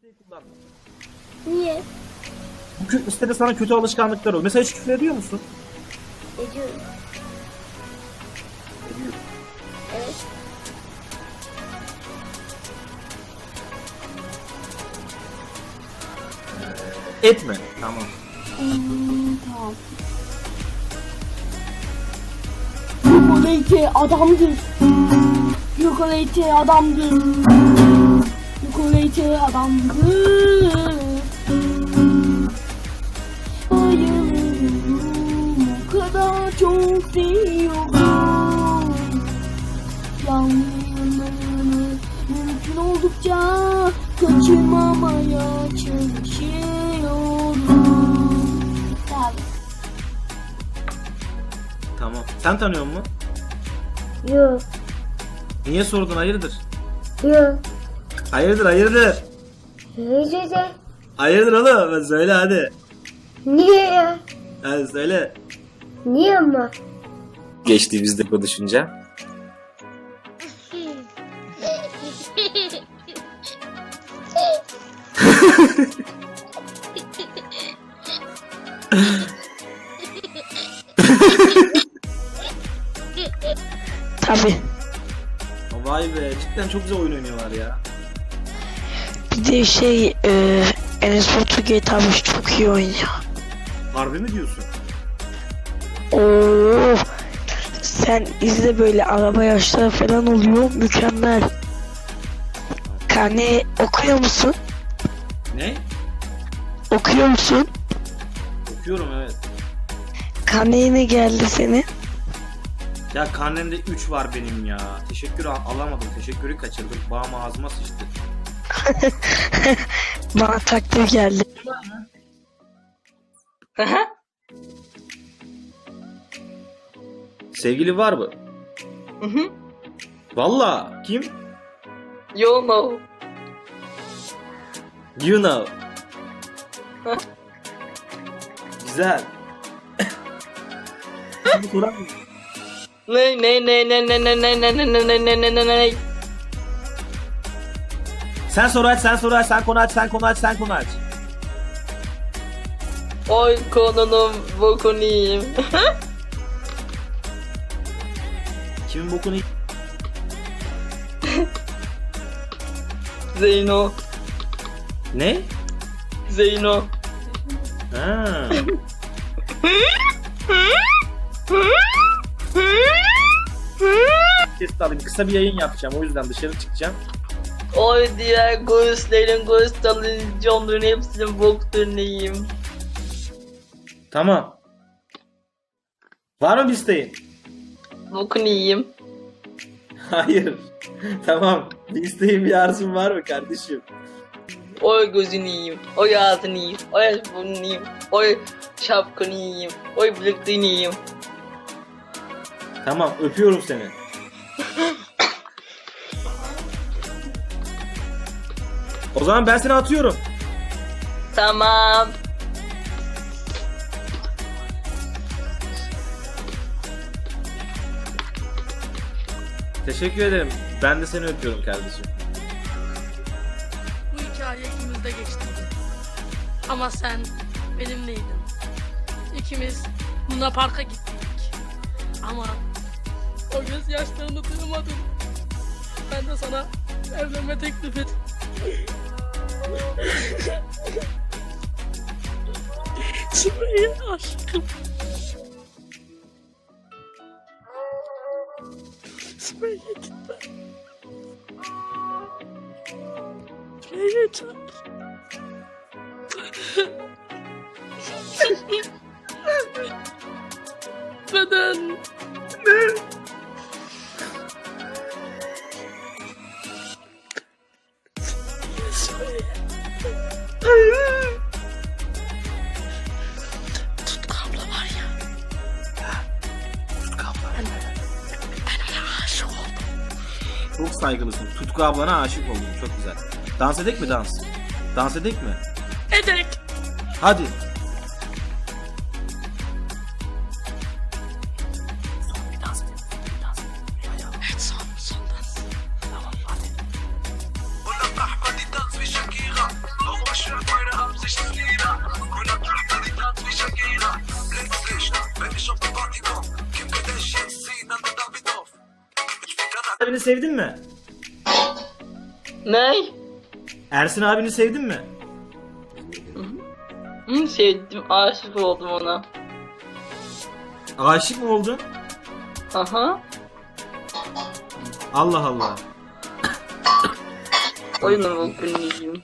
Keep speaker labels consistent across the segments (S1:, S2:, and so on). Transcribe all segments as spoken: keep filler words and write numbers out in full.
S1: kullanma.
S2: Niye?
S1: Bu kö- sitede sana kötü alışkanlıklar oluyor. Mesela hiç küfür ediyor musun?
S2: Ediyorum.
S1: Ediyorum.
S2: Evet.
S1: Etme. Tamam.
S2: Hmm, tamam. Yukolete adamdır. Yukolete adamdır. Yukolete adamdır. Bayılıyorum, o kadar çok seviyorum. Yanlarını mümkün oldukça kaçırmamaya çalışıyorum. Tabii.
S1: Tamam. Sen tanıyor musun?
S2: Yok.
S1: Niye sordun? Hayırdır?
S2: Yok.
S1: Hayırdır hayırdır.
S2: Neyse de.
S1: Hayırdır oğlum? Söyle hadi.
S2: Niye ya?
S1: Hadi söyle.
S2: Niye ama?
S1: Geçtiğimizde konuşunca.
S3: Tabii.
S1: Vay be, cidden çok güzel oyun oynuyorlar ya.
S3: Bir de şey e, Enes Batur G T A beş çok iyi oynuyor.
S1: Harbi mi diyorsun?
S3: Oo, sen izle, böyle araba yarışları falan oluyor, mükemmel. Karne okuyor musun?
S1: Ne?
S3: Okuyor musun?
S1: Okuyorum evet.
S3: Karneye ne geldi senin?
S1: Ya karnemde üç var benim ya. Teşekkür al- alamadım. Teşekkürü kaçırdım. Bağım ağzıma sıçtı.
S3: Bana takdir geldi.
S1: Sevgili var mı?
S4: Hı hı.
S1: Valla. Kim?
S4: You know.
S1: You know. Güzel. Şimdi sorar mısın?
S4: Ne ne ne ne ne ne ne ne ne ne ne ne ne ne ne.
S1: Sen soru aç, sen soru aç, sen konu aç, sen konu aç, sen konu aç.
S4: Oy konunun bokunu yiyeyim.
S1: Kimin bokunu...
S4: Zeyno.
S1: Ne?
S4: Zeyno.
S1: Ha. Ses alayım. Kısa bir yayın yapacağım. O yüzden dışarı çıkacağım.
S4: Oy diğer göğüslerin göğüs talıncımların hepsinin bokunu yiyeyim.
S1: Tamam. Var mı bir isteğin?
S4: Bokunu yiyeyim.
S1: Hayır. Tamam. Bir isteğin, bir arzun var mı kardeşim?
S4: Oy gözünü yiyeyim. Oy ağzını yiyeyim. Oy burnunu yiyeyim. Oy şapkanı yiyeyim. Oy bilekliğini yiyeyim.
S1: Tamam. Öpüyorum seni. O zaman ben seni atıyorum.
S4: Tamam.
S1: Teşekkür ederim. Ben de seni öpüyorum kardeşim.
S5: Bu hikaye ikimizde geçtiydi. Ama sen benimleydin. İkimiz Luna Park'a gittik. Ama o gözyaşlarını duymadım. Ben de sana evlenme teklif ettim. Sümeyye aşkım. Sümeyye gitme. Sümeyye can. Neden? Ne? Tutku abla var ya.
S1: Tutku abla.
S5: Ben, ben ona aşık oldum.
S1: Çok saygılısın. Tutku ablana aşık oldum. Çok güzel. Dans edek mi dans? Dans edek mi?
S5: Ederek.
S1: Hadi.
S5: Evet, son, son dans.
S1: Tamam hadi.
S6: ولا احمد يدانس في شاكيرا
S1: sevdin mi?
S4: Ne?
S1: Ersin abini sevdin mi?
S4: Hı, sevdim, aşık oldum ona.
S1: Aşık mı oldun?
S4: Aha.
S1: Allah Allah.
S4: Oyunun volkaniyim.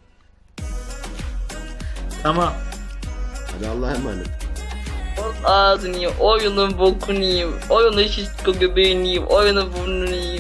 S1: Tamam.
S6: Hadi Allah'a emanet.
S4: Ağzını yiyeyim, oyunun volkaniyim. Oyunun şişko göbeğini yiyeyim, oyunun burnunu yiyeyim.